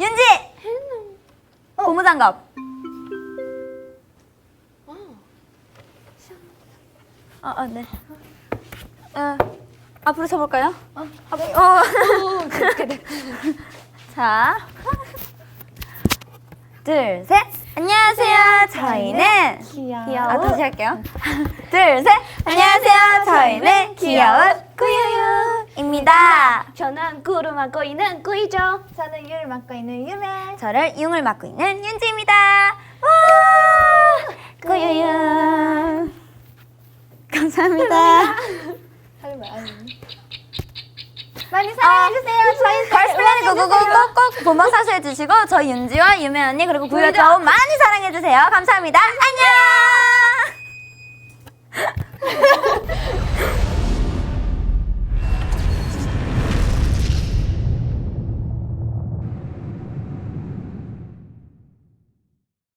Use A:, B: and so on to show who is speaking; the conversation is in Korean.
A: 윤지! 고무장갑. 네. 앞으로 서볼까요? 자, 둘, 셋. 안녕하세요. 저희는
B: 귀여운
A: 다시 할게요. 둘, 셋. 안녕하세요. 저희는 귀여운 꾸유유입니다.
B: 저는 꿀을 맡고 있는 꾸이죠.
C: 저는 유를 맡고 있는 유메.
A: 저를 융을 맡고 있는 윤지입니다. 와! 꾸유유. 감사합니다.
C: 많이 사랑해주세요. 저희
A: 걸스플래닛 고고고 꼭꼭 본방 사수해주시고 저희 윤지와 유메 언니 그리고 구유 저 많이 사랑해주세요. 감사합니다. 안녕.